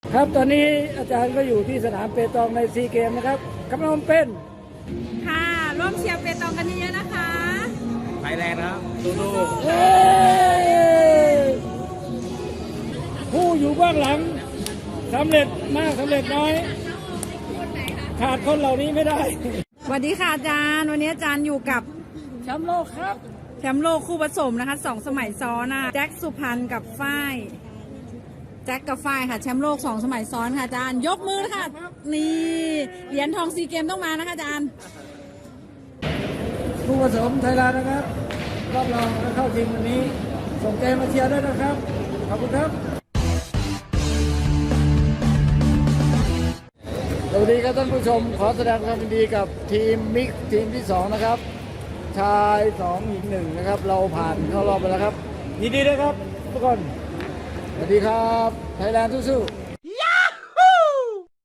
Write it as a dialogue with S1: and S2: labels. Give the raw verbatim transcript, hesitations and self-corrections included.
S1: ครับตอนนี้อาจารย์ก็อยู่ที่สนามเปตองในซีเกมนะครับกำลังเป็น
S2: ค่ะร่วมเชียร์เปตองกันเยอะๆนะคะ
S3: ไฟแรงนะครับสู้
S1: เฮ้ยผู้อยู่เบื้องหลังสำเร็จมากสำเร็จน้อย ขาดคนเหล่านี้ไม่ได้
S2: สวัสดีค่ะอาจารย์วันนี้อาจารย์อยู่กับ
S1: แชมป์โลกครับ
S2: แชมป์โลกคู่ผสมนะคะสองสมัยซ้อนนะคะแจ็คสุพรรณกับฝ้ายแจ็คกับฝ้ายค่ะแชมป์โลกสองสมัยซ้อนค่ะอาจารย์ยกมือค่ะนี่เหรียญทองซีเกมต้องมานะคะอาจารย์
S1: ผู้ผสมไทยแลนด์นะครับรอบรองและเข้าชิงวันนี้ ส่งใจมาเชียร์ด้วยนะครับ ขอบคุณครับ สวัสดีครับท่านผู้ชม ขอแสดงความยินดีกับทีมมิกซ์ทีมที่สองนะครับ ชายสองหญิงหนึ่งนะครับ เราผ่านเข้ารอบไปแล้วครับ ยินดีด้วยครับทุกคน สวัสดีครับ ไทยแลนด์สู้ๆ